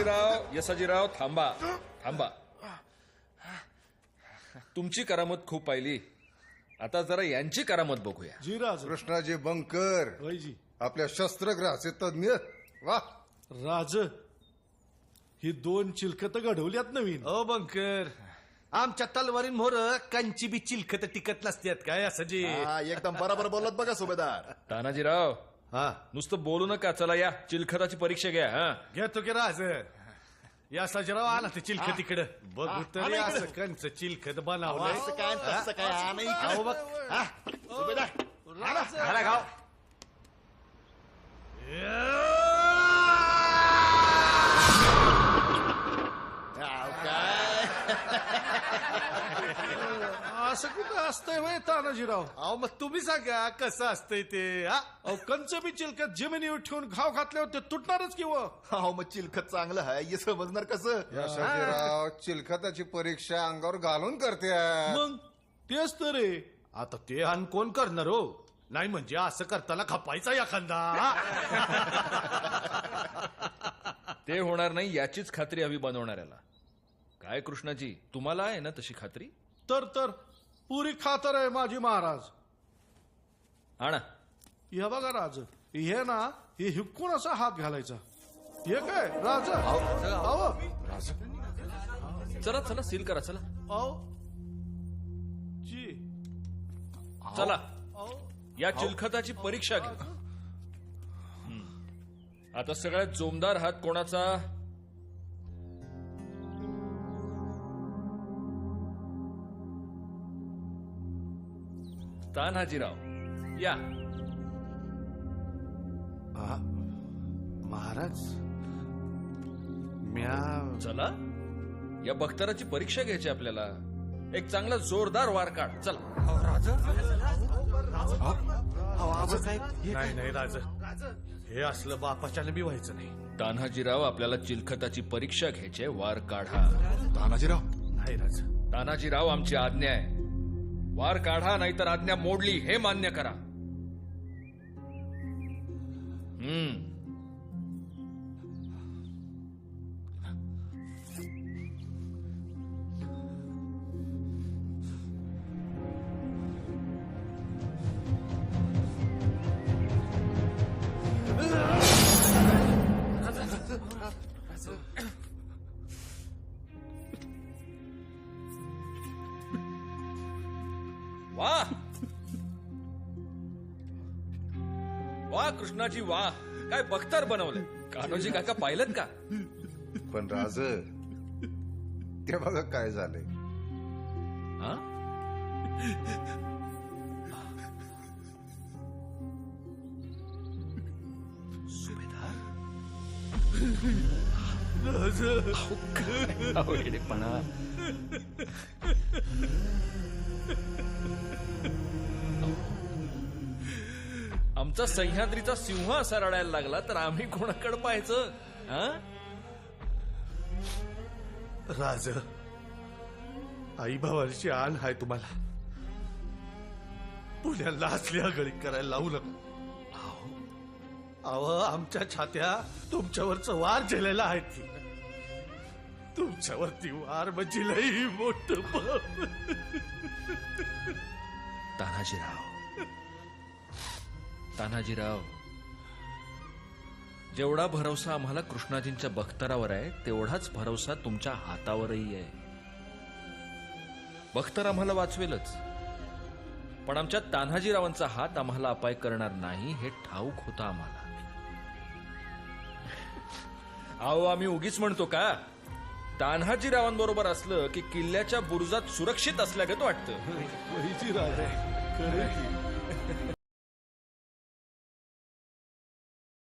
यसाजीराव थांबा थांबा. तुमची करामत खूप पाहिली, आता जरा यांची करामत बघूया. जीराज कृष्णाजी बंकर वैजी आपल्या शस्त्रग्रहाचे तज्ञ. वा राज ही 2 चिलखत घडवल्यात नवीन. ओ बंकर, आमच्या तलवारीन मोर कंची बी चिलखत टिकत नसतात काय असं जी. एकदम बरोबर बोलत बघा सुभेदार. तानाजीराव हा नुसतं बोलू नका, चला या चिलखताची परीक्षा घ्या. हा घेतो की राज. या सजराव आला ते चिलखत इकडं बघू तरी असं कंच चिलखत बनवलंय. असं काय तसं काय आणि अहो बघ सुभेदार घाला गाव. असं कुठं असतंय वय तानाजीराव? अहो मग तुम्ही सांगा कसं असतंय ते. हा अहो कंच बी चिलखत जमिनीवर ठेवून घाव घातल्यावर ते तुटणारच किंवा. हो मग चिलखत चांगलं आहे हे समजणार कसं. यशाजीराव चिलखताची परीक्षा अंगावर घालून करते. मग तेच तर रे. आता ते अन कोण करणार हो. नाही म्हणजे असं करताना खपायचा एखादा. ते होणार नाही याचीच खात्री हवी बनवणाऱ्याला. काय कृष्णाजी, तुम्हाला आहे ना तशी खात्री? तर पुरी खातर आहे माझी महाराज. आणा. हे बघा राज, हे ना हे हिकून असा हात घालायचा. हे काय राज? अहो चला चला सील करा. चला अहो जी चला अहो या चिलखताची परीक्षा घ्या. आता सगळ्यात जोमदार हात कोणाचा? तान्हाजीराव या. महाराज म्या चला या बख्तराची परीक्षा घ्यायची आपल्याला. एक चांगला जोरदार वार काढ. चला. नाही नाही राज, हे असलं बापाच्याने बी व्हायचं नाही. तान्हाजीराव आपल्याला चिलखताची परीक्षा घ्यायची, वार काढा. तानाजीराव नाही राज. तानाजीराव आमची आज्ञा आहे, वार काढा नाहीतर आज्ञा मोडली हे मान्य करा. वाह वाह कृष्णाजी वाह, काय बख्तर बनवलंय. कान्होजी काका पाहिलं का? पण राज ते बघा काय झालंय. हा? आमचा सह्याद्रीचा सिंह असा रडायला लागला तर आम्ही कोणाकडे पाहायचं? राज, आई भावाची आण हाय तुम्हाला. पुण्याला असल्या गळी करायला लावू नका. अहो आमच्या छात्या तुमच्यावरच वार झेलेला आहेत की. तुमच्यावरती वार म्हणजे लई मोठं पाप. तान्हाजीराव जेवढा भरवसा आम्हाला कृष्णाजींच्या बख्तरावर आहे तेवढाच भरवसा तुमच्या हातावरही आहे. बख्तर आम्हाला वाचवेलच, पण आमच्या तान्हाजीरावांचा हात आम्हाला अपाय करणार नाही हे ठाऊक होतं आम्हाला. अहो आम्ही उगीच म्हणतो का? तान्हाजीरावांबरोबर असलं की किल्ल्याच्या बुरुजात सुरक्षित असल्यागत वाटतं. वैजी राज खरं की.